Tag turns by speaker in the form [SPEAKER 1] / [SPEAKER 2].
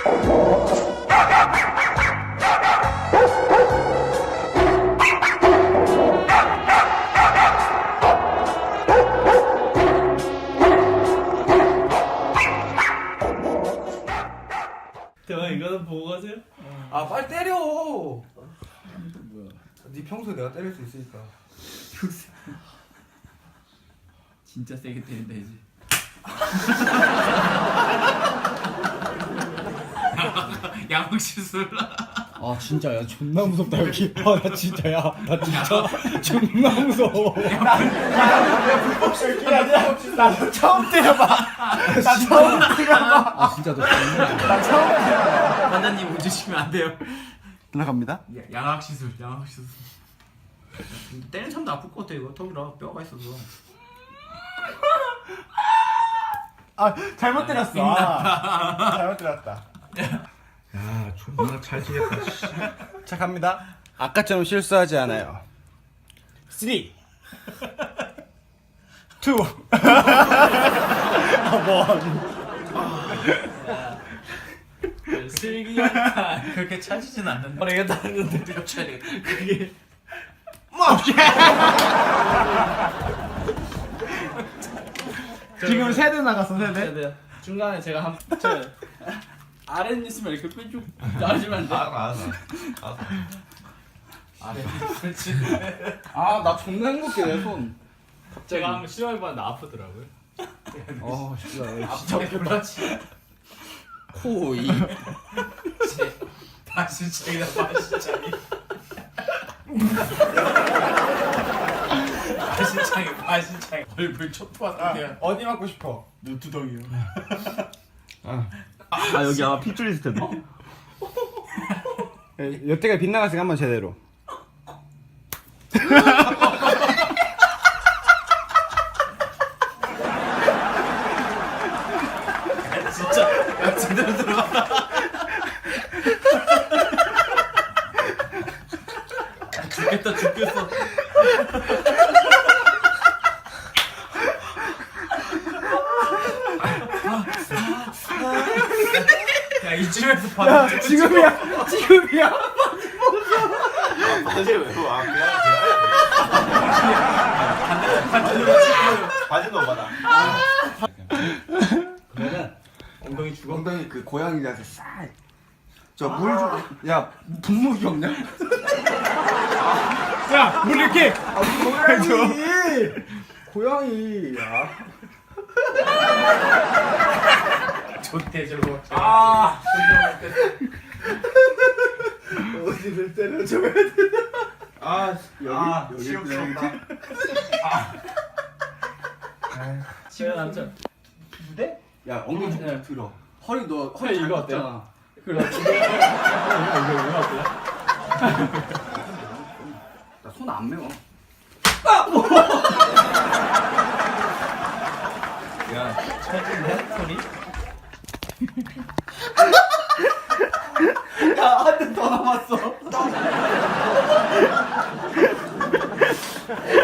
[SPEAKER 1] 대박 이거는 보고 가세요?
[SPEAKER 2] 아 빨리 때려.
[SPEAKER 1] 뭐야?
[SPEAKER 2] 네 평소에 내가 때릴 수 있으니까.
[SPEAKER 1] 진짜 세게 때린다 이제. 양복 시술.
[SPEAKER 3] 아 진짜 야 존나 무섭다 여기. 아 나 진짜 야 나 진짜 존나 무서워.
[SPEAKER 2] 나 처음 때려봐. 나 처음 때려봐.
[SPEAKER 3] 아 진짜 너 존나.
[SPEAKER 2] 나 처음 때려봐.
[SPEAKER 1] 환자님 웃으시면 안 돼요.
[SPEAKER 2] 나갑니다.
[SPEAKER 1] 양악 시술, 양악 시술. 때리는 사람도 아플 것 같아 이거. 턱이라 뼈가 있어서.
[SPEAKER 2] 아 잘못 때렸어. 아, 잘못 때렸다.
[SPEAKER 3] 야 존나 찰지겠다.
[SPEAKER 2] 자 갑니다. 아까처럼 실수하지 않아요. 3 2 1
[SPEAKER 1] 슬기니까 그렇게 차지진 않는다. 모르겠다는데 내가 쳐야 되겠다. 그게
[SPEAKER 2] 지금 세대 나갔어 세대.
[SPEAKER 1] 중간에 제가 한 아래 있으면 이렇게 뾰족 나와주면 안 돼?
[SPEAKER 4] 알았어.
[SPEAKER 1] 아래 그렇지.
[SPEAKER 2] 아나 존나 행복해 내 손.
[SPEAKER 1] 제가 한번 시험해봤는데 아프더라고요.
[SPEAKER 2] 어 진짜.
[SPEAKER 1] 진짜 몰랐지.
[SPEAKER 2] 코, 입.
[SPEAKER 1] 바시창이다 바시창이. 바시창이 얼굴 촉촉하게.
[SPEAKER 2] 어디 맞고 싶어?
[SPEAKER 1] 눈두덩이요.
[SPEAKER 4] 아 여기 아마 핏줄 있을 텐데.
[SPEAKER 2] 여태가 빗나갔으니까 한번 제대로.
[SPEAKER 1] 진짜 야 제대로 들어갔다. 죽겠다 죽겠어. 야 이쯤에서 받아.
[SPEAKER 2] 지금이야. 지금이야.
[SPEAKER 4] 사실 왜 와? 바지 너 받아.
[SPEAKER 2] 그러면
[SPEAKER 1] 엉덩이 죽어?
[SPEAKER 2] 엉덩이 그 고양이 자세 싹. 저 물 좀. 야 분무기 없냐? 야 물 이렇게. 아 고양이. 고양이. 야.
[SPEAKER 1] 좋대 저거.
[SPEAKER 2] 아. 어디를 때려줘야 돼? 아 여기
[SPEAKER 4] 치욕스럽다.
[SPEAKER 1] 지금 남자.
[SPEAKER 2] 무대? 야 엉덩이 좀
[SPEAKER 1] 네.
[SPEAKER 2] 들어. 허리 너
[SPEAKER 1] 허리
[SPEAKER 2] 허리
[SPEAKER 1] 이거
[SPEAKER 2] 잘
[SPEAKER 1] 어때요?
[SPEAKER 2] 걷잖아.
[SPEAKER 1] 그래 지금 이거 어때?
[SPEAKER 2] 나 손 안 매워.
[SPEAKER 1] 야 찰진데 소리?
[SPEAKER 2] 야 한 대 더 남았어.